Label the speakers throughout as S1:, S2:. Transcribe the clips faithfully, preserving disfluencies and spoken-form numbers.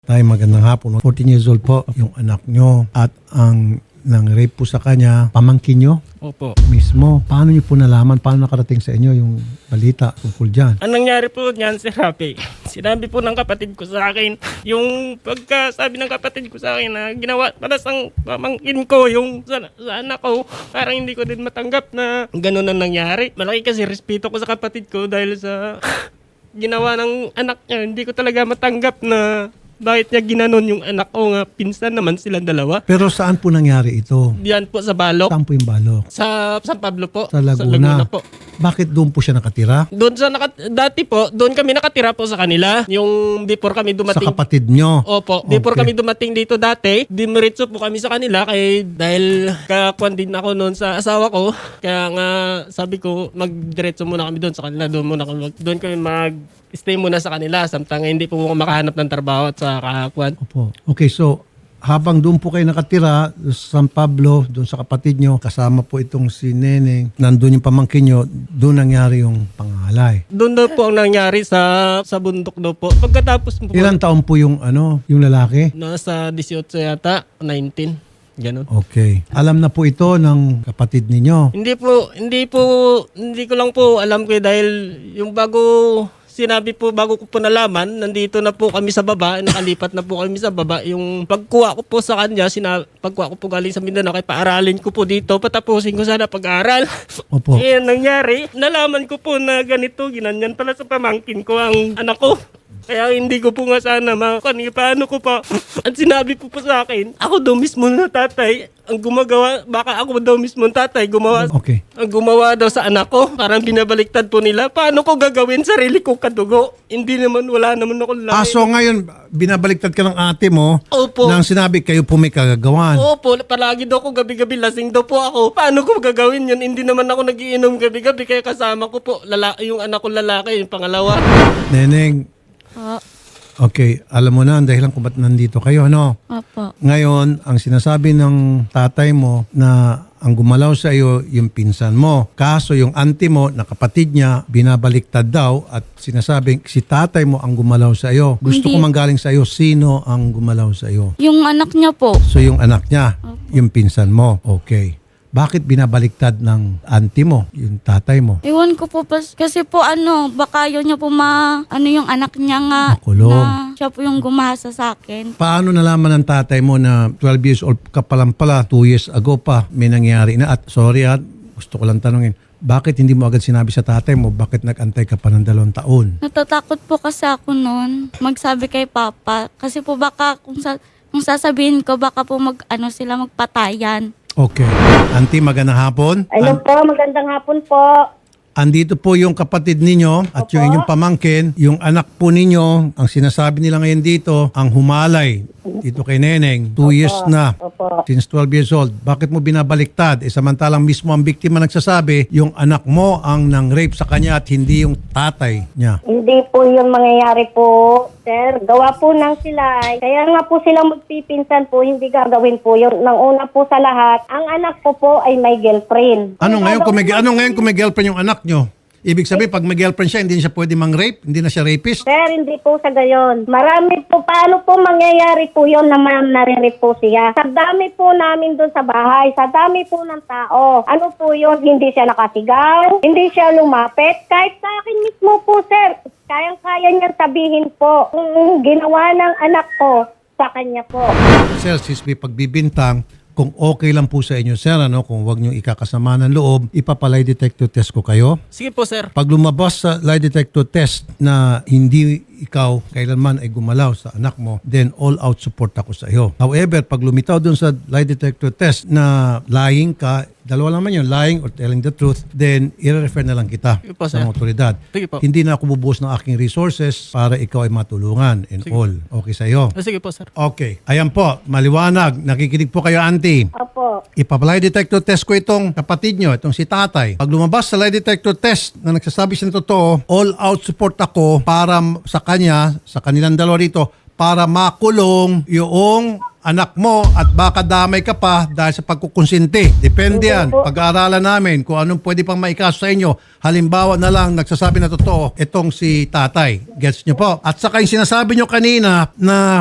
S1: Tay, magandang hapon. fourteen years old po yung anak nyo at ang nang rape po sa kanya, pamangkin nyo
S2: Opo.
S1: mismo. Paano nyo po nalaman? Paano nakarating sa inyo yung balita tungkol dyan?
S2: Ang nangyari po niyan, Sir Rafi, sinabi po ng kapatid ko sa akin, yung pagkasabi ng kapatid ko sa akin na ginawa para sa pamangkin ko, yung sa, sa anak ko, parang hindi ko din matanggap na ganun ang nangyari. Malaki kasi respeto ko sa kapatid ko dahil sa ginawa ng anak niya. Hindi ko talaga matanggap na bakit niya ginanon yung anak ko nga pinsan naman silang dalawa.
S1: Pero saan po nangyari ito?
S2: Diyan po sa Balok.
S1: Saan po yung balok?
S2: Sa San Pablo po.
S1: Sa Laguna.
S2: po.
S1: Bakit doon po siya nakatira?
S2: Doon sa naka, dati po, doon kami nakatira po sa kanila. Yung before kami
S1: Sa
S2: dumating.
S1: kapatid nyo?
S2: Opo, before
S1: Okay.
S2: kami dumating dito dati, dimiritso po kami sa kanila kay dahil kakuan din ako noon sa asawa ko. Kaya nga sabi ko, magdiretso muna kami doon sa kanila. Doon muna kami, mag- doon kami mag stay muna sa kanila. Samtang hindi po ako makahanap ng trabaho at sa kakuan.
S1: Opo. Okay, so habang doon po kayo nakatira sa San Pablo, doon sa kapatid nyo, kasama po itong si Neneng, nandun yung pamangkin nyo, doon nangyari yung pangalay.
S2: Doon daw po ang nangyari sa sa bundok daw po. Pagkatapos po,
S1: Ilang taon po yung ano, yung lalaki?
S2: nasa eighteen yata, nineteen. Ganun.
S1: Okay. Alam na po ito ng kapatid ninyo.
S2: Hindi po, hindi po, hindi ko lang po alam ko eh, dahil yung bago sinabi po, bago ko po nalaman, nandito na po kami sa baba, nakalipat na po kami sa baba. Yung pagkuha ko po sa kanya, sina, pagkuha ko po galing sa Mindanao, kaya paaralin ko po dito, patapusin ko sana pag-aaral.
S1: Opo.
S2: Eh, nangyari, nalaman ko po na ganito, ginanyan pala sa pamangkin ko ang anak ko. Kaya hindi ko po nga sana makakani. Paano ko pa? At sinabi po po sa akin, ako daw mismo na tatay ang gumagawa. Baka ako daw mismo ang tatay gumawa.
S1: Okay.
S2: Ang gumawa daw sa anak ko. Parang binabaliktad po nila. Paano ko gagawin sarili ko kadugo? Hindi naman, wala naman ako lahi.
S1: Ah, so ngayon, binabaliktad ka ng ate mo
S2: Opo.
S1: nang sinabi kayo po may kagagawan.
S2: Opo, palagi daw ako gabi-gabi lasing daw po ako. Paano ko gagawin yun? Hindi naman ako nagiinom gabi-gabi. Kaya kasama ko po lala- yung anak ko lalaki, yung pangalawa.
S1: Neneng,
S3: Po.
S1: okay, alam mo na ang dahilan kung ba't nandito kayo, no?
S3: Opo.
S1: Ngayon, ang sinasabi ng tatay mo na ang gumalaw sa iyo yung pinsan mo. Kaso yung auntie mo na kapatid niya binabaliktad daw at sinasabing si tatay mo ang gumalaw sa iyo. Gusto
S3: Hindi.
S1: ko manggaling sa iyo, sino ang gumalaw sa iyo?
S3: Yung anak niya po.
S1: So yung anak niya, yung pinsan mo. Okay. Bakit binabaliktad ng auntie mo, yung tatay mo?
S3: Iwan ko po pas, kasi po ano, baka yun niya po ma, ano yung anak niya nga.
S1: Makulong.
S3: Na siya po yung gumasa sa akin.
S1: Paano nalaman ng tatay mo na twelve years old ka pa lang pala, two years ago pa, may nangyari na? At sorry at gusto ko lang tanungin, bakit hindi mo agad sinabi sa tatay mo, bakit nag-antay ka pa ng dalawang taon?
S3: Natatakot po kasi ako noon, magsabi kay Papa. Kasi po baka kung, sa, kung sasabihin ko, baka po mag, ano sila magpatayan.
S1: Okay. Auntie, magandang hapon.
S4: Hello
S1: An-
S4: po, magandang hapon po.
S1: andito po yung kapatid ninyo at yung inyong pamangkin. Yung anak po ninyo, ang sinasabi nila ngayon dito, ang humalay dito kay Neneng. Two years na.
S4: Opo.
S1: Since twelve years old. Bakit mo binabaliktad? Eh, samantalang mismo ang biktima nagsasabi, yung anak mo ang nang-rape sa kanya at hindi yung tatay niya.
S4: Hindi po yung mangyayari po, sir. Gawa po ng sila. Kaya nga po silang magpipinsan po, hindi gagawin po yun. Nang una po sa lahat, ang anak ko po ay may girlfriend.
S1: Ano ngayon kung may, ano ngayon kung may girlfriend yung anak nyo? Ibig sabihin, pag may girlfriend siya, hindi na siya pwede mang-rape? Hindi na siya rapist?
S4: Sir, hindi po sa gayon. Marami po, paano po mangyayari po yun na ma- nare-rape po siya? Sa dami po namin doon sa bahay, sa dami po ng tao. Ano po yun? Hindi siya nakasigaw, hindi siya lumapit. Kahit sa akin mismo po, sir, kayang-kaya niyang sabihin po kung ginawa ng anak ko sa kanya po.
S1: Sir, sis, may pagbibintang, kung okay lang po sa inyo, sir, ano, kung wag nyo ikakasama ng loob, ipapalay detector test ko kayo.
S2: Sige po, sir.
S1: Pag lumabas sa lie detector test na hindi ikaw kailanman ay gumalaw sa anak mo, then all out support ako sa iyo. However, pag lumitaw dun sa lie detector test na lying ka, dalawa naman yun, lying or telling the truth, then i-refer na lang kita
S2: Sige po,
S1: sa
S2: sir.
S1: mga otoridad.
S2: Sige po.
S1: Hindi na ako bubuhos ng aking resources para ikaw ay matulungan and all. Okay sa iyo?
S2: Ah, Sige po, sir.
S1: Okay. Ayan po, maliwanag. Nakikinig po kayo, auntie.
S4: Opo.
S1: Ipapalay detector test ko itong kapatid nyo, itong si tatay. Pag lumabas sa lie detector test na nagsasabi siya ng totoo, all out support ako para m- sa kanya, sa kanilang dalawa rito, para makulong yung anak mo at baka damay ka pa dahil sa pagkukonsinti. Depende yan. Pag-aaralan namin kung anong pwede pang maikaso sa inyo. Halimbawa na lang nagsasabi na totoo itong si tatay. Gets nyo po? At saka yung sinasabi nyo kanina na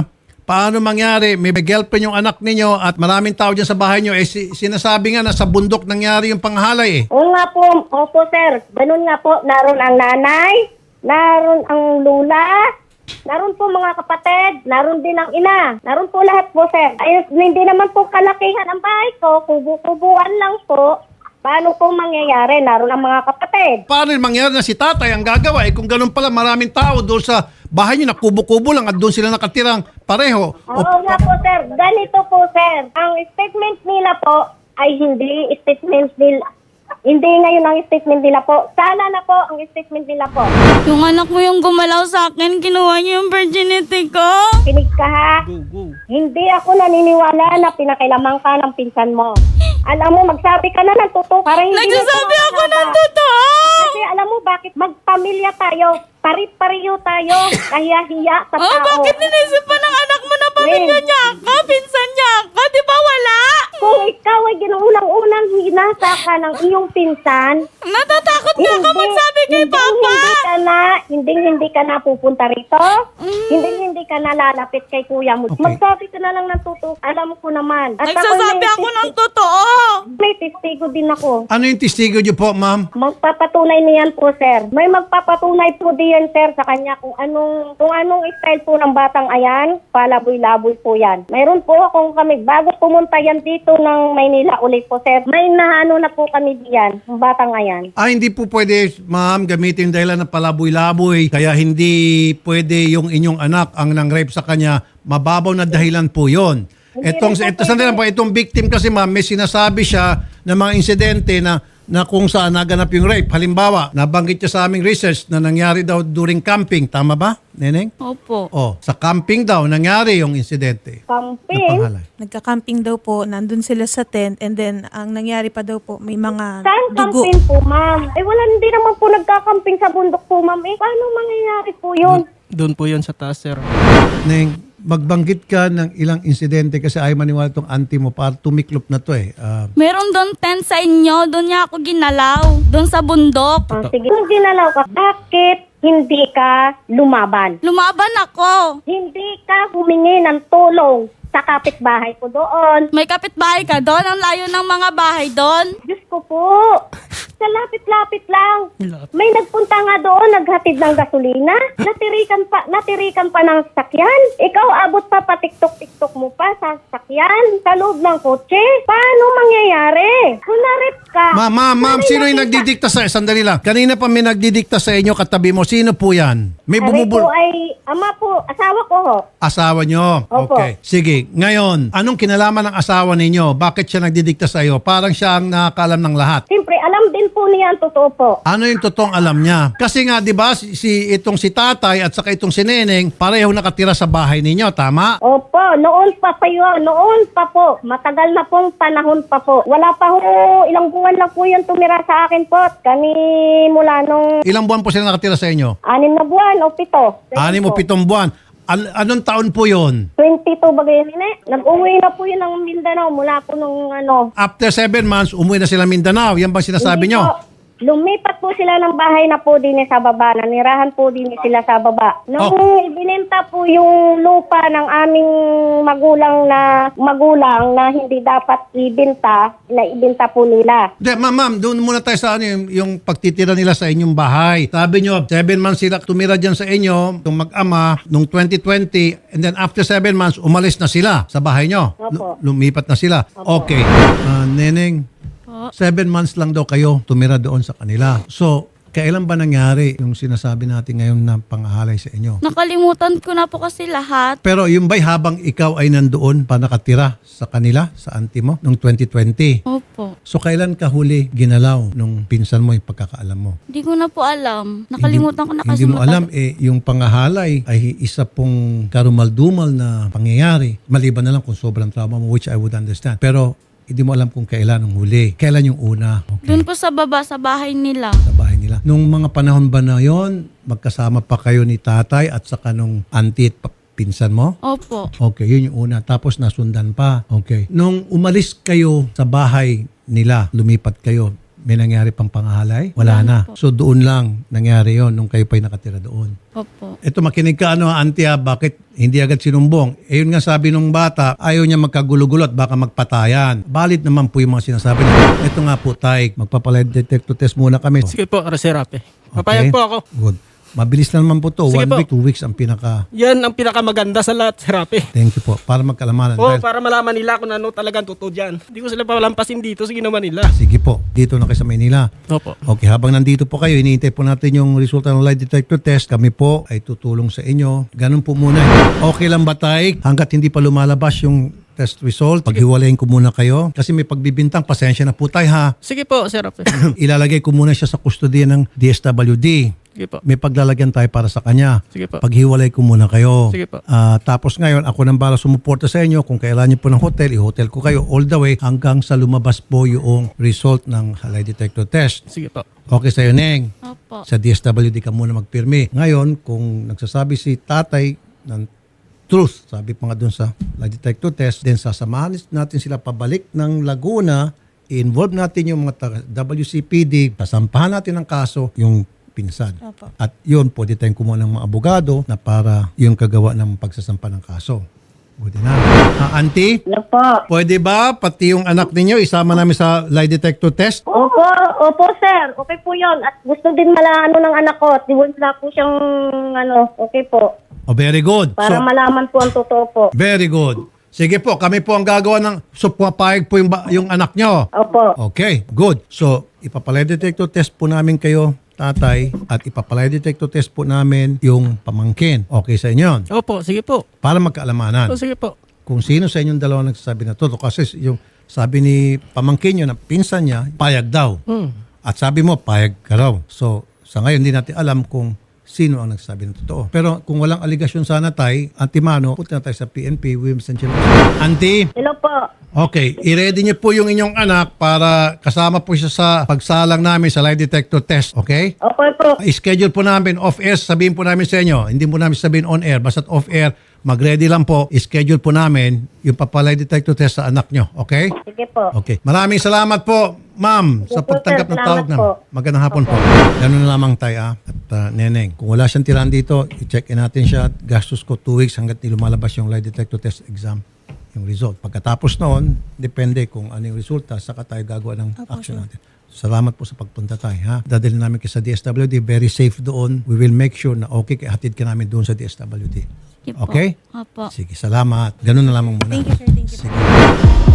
S1: paano mangyari? May girlfriend yung anak ninyo at maraming tao dyan sa bahay nyo. Eh, si- sinasabi nga na sa bundok nangyari yung panghalay eh.
S4: Oo nga po, opo sir. Ganun nga po, naroon ang nanay, naroon ang lula, naroon po mga kapatid, naroon din ang ina. Naroon po lahat po sir. Ay, hindi naman po kalakihan ang bahay ko, kubu-kubuan lang po. Paano po mangyayari? Naroon ang mga kapatid.
S1: Paano yung mangyari na si tatay ang gagawa? Eh kung ganun pala maraming tao doon sa bahay nyo na kubo-kubo lang at doon sila nakatirang pareho.
S4: Oo nga po sir, ganito po sir. Ang statement nila po ay hindi statement nila. Hindi ngayon ang statement nila po. Sana na po ang statement nila po.
S3: Yung anak mo yung gumalaw sa akin, kinuha niyo yung virginity ko.
S4: Kinig ka ha.
S2: Go, go.
S4: Hindi ako naniniwala na pinakailaman ka ng pinsan mo. Alam mo, magsabi ka na ng totoo. Para hindi
S3: Nagsasabi
S4: na
S3: ako ng
S4: tumahaba.
S3: totoo.
S4: Kasi alam mo bakit magpamilya tayo, pari-pariyo tayo, kahiya-hiya sa
S3: Oh,
S4: tao.
S3: bakit ninisip pa ng anak mo na pamilya
S4: Wait.
S3: niya ako? Pinsan niya ako? Di ba wala?
S4: Kung ikaw ay ginuunang-unang hinasa ka ng iyong pinsan,
S3: Natatakot na ako magsabi kay
S4: hindi,
S3: Papa.
S4: Hindi ka na, hindi, hindi ka na pupunta rito.
S3: Mm.
S4: Hindi, hindi ka na lalapit kay kuya mo.
S1: Okay.
S4: Magsabi ka na lang ng totoo. Alam ko naman. At
S3: Nagsasabi
S4: may
S3: ako ng
S4: testi-
S3: totoo.
S4: May testigo din ako.
S1: Ano yung testigo nyo po, ma'am?
S4: Magpapatunay niyan po, sir. May magpapatunay po diyan, sir, sa kanya kung anong kung anong style po ng batang ayan. Palaboy-laboy po yan. Mayroon po akong kami, bago pumunta yan dito ng Maynila ulit po, sir. May naano na po kami diyan, ng batang ayan.
S1: Ah, hindi po pwede, ma'am, gamitin yung dahilan ng palaboy-laboy. Kaya hindi pwede yung inyong anak ang nang-rape sa kanya. Mababaw na dahilan po yon. Etong,
S4: rin po
S1: ito, sandali lang po, itong victim kasi ma'am, may sinasabi siya ng mga insidente na na kung saan naganap yung rape. Halimbawa, nabanggit niya sa aming research na nangyari daw during camping. Tama ba, Neneng?
S3: Opo.
S1: Oh, sa camping daw nangyari yung insidente. Na
S4: Camping.
S1: panghalay.
S5: Nagka-camping daw po, nandun sila sa tent, and then ang nangyari pa daw po, may mga
S4: Saan
S5: dugo.
S4: camping po, ma'am? Eh, wala, hindi naman po nagka-camping sa bundok po, ma'am. Eh, paano mangyayari po yun?
S2: Doon po yun sa taas, sir.
S1: Neng, magbanggit ka ng ilang insidente kasi ayaw maniwala itong auntie mo para tumiklop na to eh. Ah,
S3: Meron doon tent sa inyo. Doon niya ako ginalaw. Doon sa bundok.
S4: Ah, sige. Kung ginalaw ka, bakit hindi ka lumaban?
S3: Lumaban ako.
S4: Hindi ka humingi ng tulong sa kapitbahay ko doon.
S3: May kapitbahay ka doon. Ang layo ng mga bahay doon.
S4: Diyos ko po. Sa lapit-lapit lang.
S2: Lapit.
S4: May nagpunta nga doon, naghatid ng gasolina. Natirikan pa, natirikan pa ng sakyan. Ikaw abot pa patiktok-tiktok mo pa sa sakyan, sa loob ng kotse. Paano mangyayari? Kung narip ka.
S1: Ma'am, ma'am, ma'am,
S4: nanay
S1: sino yung
S4: nakita-
S1: nagdidikta sa... Sandali lang. Kanina pa may nagdidikta sa inyo katabi mo. Sino po yan? May
S4: Ari
S1: bumubul...
S4: po ay, ama po, asawa ko ho.
S1: Asawa nyo.
S4: Opo.
S1: Okay. Sige. Ngayon, anong kinalaman ng asawa ninyo? Bakit siya nagdidikta sa iyo? Parang siya ang nakakaalam ng lahat.
S4: Siyempre, alam din po niya ang totoo po.
S1: Ano yung totoong alam niya? Kasi nga, di ba, si, si itong si tatay at saka itong si neneng, pareho nakatira sa bahay ninyo. Tama?
S4: Opo, noon pa pa yun, noon pa po. Matagal na pong panahon pa po. Wala pa ho, ilang buwan lang po yun tumira sa akin po. Kani mula nung
S1: Ilang buwan po sila nakatira sa inyo?
S4: anim na buwan o pito.
S1: Anim o
S4: Po.
S1: pitong buwan. An- anong taon po yon?
S4: twenty-two ba ganyan yun eh? Nag-uwi na po yun ng Mindanao mula po nung ano.
S1: After seven months, umuwi na sila Mindanao. Yan bang sinasabi
S4: Hindi
S1: nyo?
S4: po. Lumipat po sila ng bahay na po din sa baba. Nanirahan po din sila sa baba. Nung
S1: Oh.
S4: ibinenta po yung lupa ng aming magulang na magulang na hindi dapat ibenta, na ibenta po nila.
S1: De, ma'am, ma'am, doon muna tayo sa ano, yung, yung pagtitira nila sa inyong bahay. Sabi nyo, seven months sila tumira dyan sa inyo, itong mag-ama, nung twenty twenty, and then after seven months, umalis na sila sa bahay nyo.
S4: Opo.
S1: Lu- lumipat na sila. Okay. Ah, neneng, seven months lang daw kayo tumira doon sa kanila. So, kailan ba nangyari yung sinasabi natin ngayon na pangahalay sa inyo?
S3: Nakalimutan ko na po kasi lahat.
S1: Pero yung ba'y habang ikaw ay nandoon pa nakatira sa kanila, sa auntie mo, noong twenty twenty?
S3: Opo.
S1: So, kailan ka huli ginalaw nung pinsan mo yung pagkakaalam mo?
S3: Hindi ko na po alam. Nakalimutan ko na kasi.
S1: Hindi mo
S3: matagal.
S1: alam, eh, yung pangahalay ay isa pong karumal-dumal na pangyayari. Maliban na lang kung sobrang trauma mo, which I would understand. Pero, hindi mo alam kung kailan ang huli. Kailan yung una. Okay.
S3: Doon po sa baba, sa bahay nila.
S1: Sa bahay nila. Nung mga panahon ba na yon, magkasama pa kayo ni tatay at saka nung auntie at pa- pinsan mo?
S3: Opo.
S1: Okay, yun yung una. Tapos nasundan pa. Okay. Nung umalis kayo sa bahay nila, lumipat kayo, May nangyari pang pangahalay? Wala
S3: Wala
S1: na.
S3: na po.
S1: So doon lang nangyari yon nung kayo pa'y nakatira doon.
S3: Opo.
S1: Ito makinig ka ano, auntie, ah, bakit hindi agad sinumbong? Eh yun nga sabi nung bata, ayaw niya magkagulo-gulo at baka magpatayan. Valid naman po yung mga sinasabi niya. Ito nga po, tay, magpapalay detector test muna kami.
S2: Sige po, Sir Rafi. Papayag po ako.
S1: Good. Mabilis lang naman po to.
S2: Sige
S1: One
S2: po.
S1: week, two weeks ang pinaka...
S2: Yan ang pinakamaganda sa lahat, Sir Rafi.
S1: Thank you po. Para magkalamanan.
S2: Oo,
S1: Dahil-
S2: para malaman nila kung ano talagang totoo dyan. Hindi ko sila palampasin dito sa ginawa nila.
S1: Sige po. Dito na kayo sa Maynila.
S2: Opo.
S1: Okay, habang nandito po kayo, hinihintay po natin yung resulta ng lie detector test. Kami po ay tutulong sa inyo. Ganun po muna. Okay lang ba tayo? Hanggat hindi pa lumalabas yung test result, paghiwalayin ko muna kayo. Kasi may pagbibintang, pasensya na po tayo ha.
S2: Sige po, Sir Rafi.
S1: Ilalagay ko muna siya sa kustodiya ng D S W D.
S2: Sige po.
S1: May paglalagyan tayo para sa kanya.
S2: Sige po.
S1: Paghiwalay ko muna kayo.
S2: Sige po.
S1: Ah, tapos ngayon, ako nang bala sumuporta sa inyo. Kung kailangan niyo po ng hotel, i-hotel ko kayo all the way hanggang sa lumabas po yung result ng lie detector test.
S2: Sige po.
S1: Okay sa'yo, Neng.
S3: Opo.
S1: Sa D S W D ka muna magpirmi. Ngayon, kung nagsasabi si tatay ng truth, sabi pa nga dun sa lie detector test, then sasamahan natin sila pabalik ng Laguna, i-involve natin yung mga taga- W C P D, sasampahan natin ng kaso yung pinsan.
S5: Opo.
S1: At yun, pwede tayong kumuha ng mga abogado na para yung kagawa ng pagsasampa ng kaso. Pwede na. Ah, auntie,
S4: Ano po?
S1: pwede ba pati yung anak ninyo isama namin sa lie detector test?
S4: Opo, opo sir. Okay po yun. At gusto din malaano ng anak ko. At wala po siyang ano, okay po.
S1: Oh, very good.
S4: Para
S1: So,
S4: malaman po ang totoo po.
S1: very good. Sige po, kami po ang gagawa ng so pumapayag po yung, ba- yung anak nyo.
S4: Opo.
S1: Okay, good. So, ipapalay detector test po namin kayo, tatay, at ipapalay detector test po namin yung pamangkin. Okay sa inyo yun?
S2: Opo, sige po.
S1: Para magkaalamanan.
S2: O, sige po.
S1: Kung sino sa inyong dalawa nagsasabi na totoo. Kasi yung sabi ni pamangkin nyo na pinsan niya, payag daw.
S2: Hmm.
S1: At sabi mo, payag ka raw. So, sa ngayon, hindi natin alam kung sino ang nagsasabi ng totoo. Pero kung walang aligasyon sana tay, antimano, punta na tayo sa P N P, Women's and Children's. Auntie,
S4: Hello po.
S1: okay, i-ready niyo po yung inyong anak para kasama po siya sa pagsalang namin sa lie detector test, okay?
S4: Okay po.
S1: I-schedule po namin off-air, sabihin po namin sa inyo. Hindi po namin sabihin on-air, basta off-air, mag-ready lang po, i-schedule po namin yung papalay detector test sa anak nyo, okay?
S4: Sige po.
S1: Okay. Maraming salamat po, ma'am, sa
S4: Opo,
S1: pagtanggap
S4: sir.
S1: ng tawag
S4: Salamat
S1: namin.
S4: po.
S1: Magandang hapon po. Ganun na lamang tayo, ah. At uh, Neneng, kung wala siyang tirahan dito, i-check in natin siya. Gastos ko two weeks hanggat di lumalabas yung lie detector test exam, yung result. Pagkatapos noon, depende kung ano yung resulta, saka tayo gagawa ng action natin. Salamat po sa pagpunta tayo, ha? Dadalhin namin kayo sa D S W D, very safe doon. We will make sure na okay, kaya hatid ka namin doon sa D S W D.
S3: Sige po.
S1: Okay?
S3: Opo.
S1: Sige, salamat. Ganun na lamang muna.
S5: Thank you, sir. Thank you.
S1: Sige.